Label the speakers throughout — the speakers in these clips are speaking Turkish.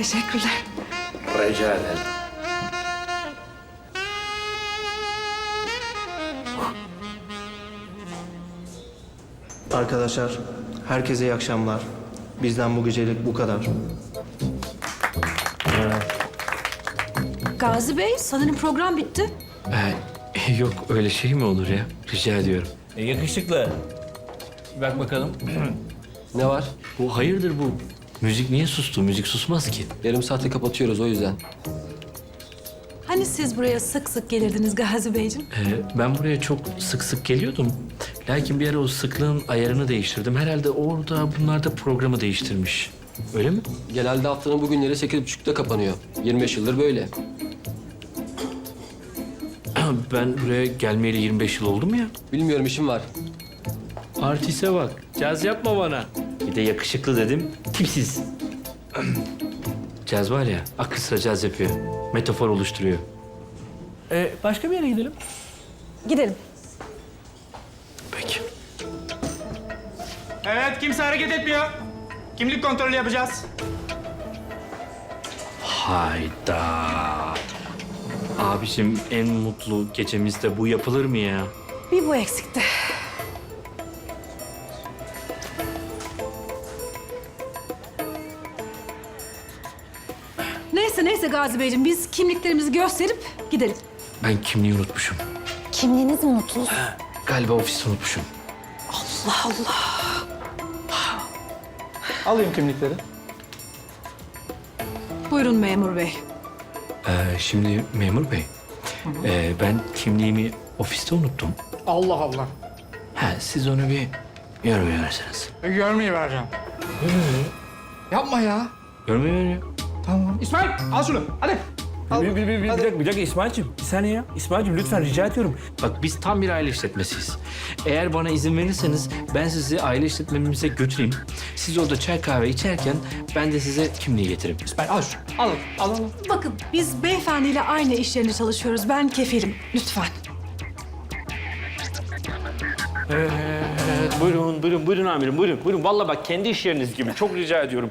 Speaker 1: Teşekkürler.
Speaker 2: Rica ederim.
Speaker 3: Arkadaşlar, herkese iyi akşamlar. Bizden bu gecelik bu kadar.
Speaker 1: Gazi Bey, sanırım program bitti.
Speaker 2: Yok öyle şey mi olur ya? Rica ediyorum.
Speaker 4: Yakışıklı. Bak bakalım.
Speaker 5: Ne var?
Speaker 2: Bu hayırdır bu? Müzik niye sustu? Müzik susmaz ki.
Speaker 5: Yarım saate kapatıyoruz o yüzden.
Speaker 1: Hani siz buraya sık sık gelirdiniz Gazi Beyciğim?
Speaker 2: Ben buraya çok sık sık geliyordum. Lakin bir ara o sıklığın ayarını değiştirdim. Herhalde orada bunlar da programı değiştirmiş. Öyle mi?
Speaker 5: Genelde haftanın bugünleri 8.30'da kapanıyor. 25 yıldır böyle.
Speaker 2: Ben buraya gelmeyeli 25 yıl oldu mu ya?
Speaker 5: Bilmiyorum, işim var.
Speaker 2: Artiste bak. Caz yapma bana. Bir de yakışıklı dedim. Tipsiz. Caz var ya, akıl sıra caz yapıyor. Metafor oluşturuyor.
Speaker 4: Başka bir yere gidelim.
Speaker 1: Gidelim.
Speaker 2: Peki.
Speaker 6: Evet, kimse hareket etmiyor. Kimlik kontrolü yapacağız.
Speaker 2: Hayda. Abiciğim en mutlu gecemizde bu yapılır mı ya?
Speaker 1: Bir bu eksikti. Neyse Gazi Beyciğim, biz kimliklerimizi gösterip gidelim.
Speaker 2: Ben kimliği unutmuşum.
Speaker 1: Kimliğiniz mi mutluluk?
Speaker 2: Galiba ofiste unutmuşum.
Speaker 1: Allah Allah.
Speaker 6: Alayım kimlikleri.
Speaker 1: Buyurun memur bey.
Speaker 2: Şimdi memur bey, ben kimliğimi ofiste unuttum.
Speaker 6: Allah Allah.
Speaker 2: Siz onu bir görmüyorsunuz.
Speaker 6: Görmeyi vereceğim. Yapma ya.
Speaker 2: Görmüyor.
Speaker 6: Tamam. İsmail, al şunu. Hadi. Al.
Speaker 4: Bir dakika İsmail'cim. Bir saniye ya. İsmail'cim lütfen rica ediyorum.
Speaker 2: Bak biz tam bir aile işletmesiyiz. Eğer bana izin verirseniz ben sizi aile işletmemize götüreyim. Siz orada çay kahve içerken ben de size kimliği getireyim.
Speaker 6: İsmail, al şunu. Al.
Speaker 1: Bakın, biz beyefendiyle aynı iş yerinde çalışıyoruz. Ben kefilim. Lütfen.
Speaker 4: Buyurun amirim, buyurun. Vallahi bak kendi iş yeriniz gibi. Çok rica ediyorum.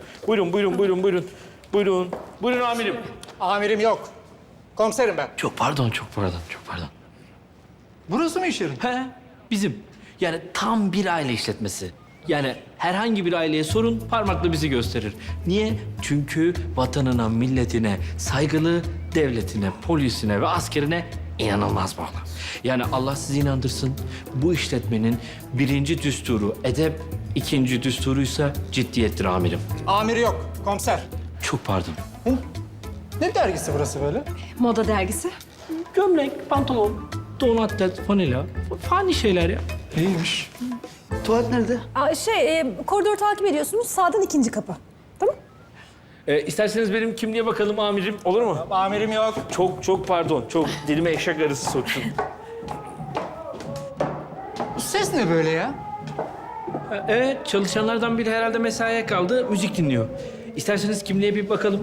Speaker 4: Buyurun amirim.
Speaker 6: Amirim yok. Komiserim ben.
Speaker 2: Çok pardon.
Speaker 6: Burası mı iş yerin?
Speaker 2: Bizim. Yani tam bir aile işletmesi. Yani herhangi bir aileye sorun parmakla bizi gösterir. Niye? Çünkü vatanına, milletine saygılı, devletine, polisine ve askerine inanılmaz bağlı. Yani Allah sizi inandırsın. Bu işletmenin birinci düsturu edep, ikinci düsturuysa ciddiyettir amirim.
Speaker 6: Amiri yok. Komiser.
Speaker 2: Çok pardon.
Speaker 6: Ne dergisi burası böyle?
Speaker 1: Moda dergisi.
Speaker 2: Gömlek, pantolon, don atlet, fanila. Fani şeyler ya.
Speaker 6: İyiymiş.
Speaker 3: Tuvalet nerede?
Speaker 1: Koridoru takip ediyorsunuz. Sağdan ikinci kapı. Tamam?
Speaker 4: İsterseniz benim kimliğe bakalım amirim. Olur mu?
Speaker 6: Amirim yok.
Speaker 4: Çok pardon. Çok dilime eşek arısı soksun.
Speaker 6: Bu ses ne böyle ya?
Speaker 2: Evet, çalışanlardan biri herhalde mesaiye kaldı, müzik dinliyor. İsterseniz kimliğe bir bakalım.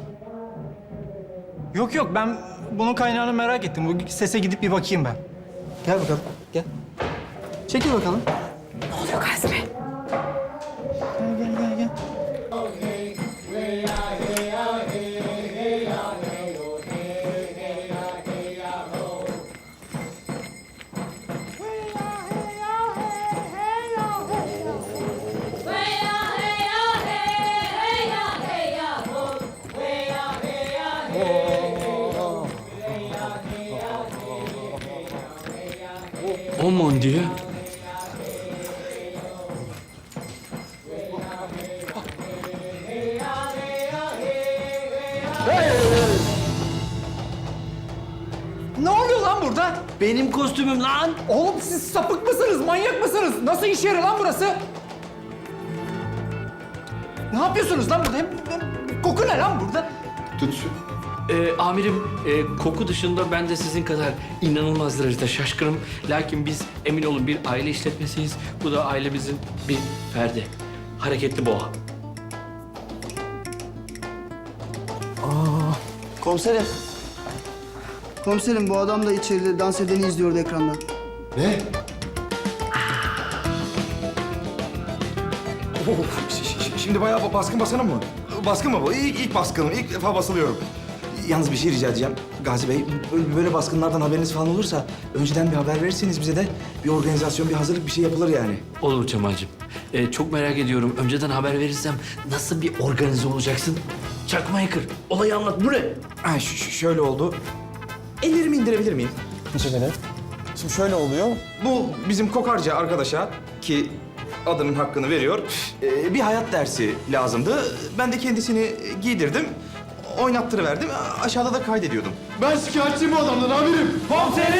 Speaker 6: Yok, ben bunun kaynağını merak ettim. Bu sese gidip bir bakayım ben. Gel bakalım, gel. Çekil bakalım.
Speaker 1: Ne oluyor Gazi Bey?
Speaker 6: Gel.
Speaker 2: Aman diye.
Speaker 6: Ne oluyor lan burada?
Speaker 2: Benim kostümüm lan.
Speaker 6: Oğlum siz sapık mısınız, manyak mısınız? Nasıl iş yeri lan burası? Ne yapıyorsunuz lan burada? Hem koku ne lan burada?
Speaker 2: Amirim, koku dışında ben de sizin kadar inanılmaz derecede şaşkınım. Lakin biz emin olun bir aile işletmesiyiz. Bu da ailemizin bir ferdi. Hareketli boğa.
Speaker 3: Komiserim. Komiserim, bu adam da içeride dans edeni izliyordu ekrandan.
Speaker 7: Şimdi bayağı baskın basana mı? baskın mı bu? İlk baskınım. İlk defa basılıyorum. Yalnız bir şey rica edeceğim. Gazi Bey, böyle baskınlardan haberiniz falan olursa önceden bir haber verirseniz bize de bir organizasyon, bir hazırlık bir şey yapılır yani.
Speaker 2: Olur Cemal'cim. Çok merak ediyorum. Önceden haber verirsem nasıl bir organize olacaksın? Çakmayı kır. Olayı anlat. Bu ne?
Speaker 7: Ha, şöyle oldu. Ellerimi indirebilir miyim?
Speaker 6: Teşekkür ederim.
Speaker 7: Şimdi şöyle oluyor. Bu bizim kokarca arkadaşa ki adının hakkını veriyor. Bir hayat dersi lazımdı. Ben de kendisini giydirdim. Oynattırıverdim. Aşağıda da kaydediyordum.
Speaker 8: Ben şikayetçiyim bu adamdan amirim.
Speaker 7: Komiserim!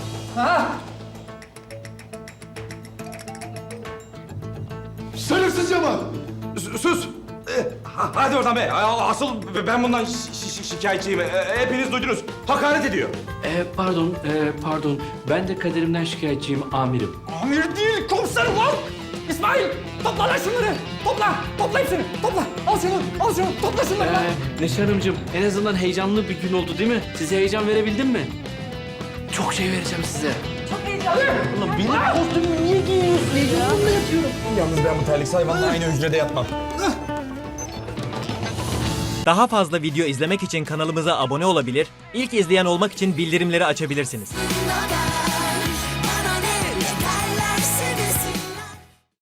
Speaker 8: Şerefsiz Cemal.
Speaker 7: Sus! Hadi oradan be. Asıl ben bundan şikayetçiyim. Hepiniz duydunuz. Hakaret ediyor.
Speaker 2: Pardon. Ben de kaderimden şikayetçiyim amirim.
Speaker 6: Amir değil, komiser lan! İsmail, topla lan şunları! Topla hepsini, topla! Al şunu, topla şunları lan!
Speaker 2: Neşe Hanımcığım, en azından heyecanlı bir gün oldu değil mi? Size heyecan verebildim mi? Çok şey vereceğim size.
Speaker 7: Yalnız ben bu terlik hayvanla aynı hücrede yatmam.
Speaker 9: Daha fazla video izlemek için kanalımıza abone olabilir, ilk izleyen olmak için bildirimleri açabilirsiniz.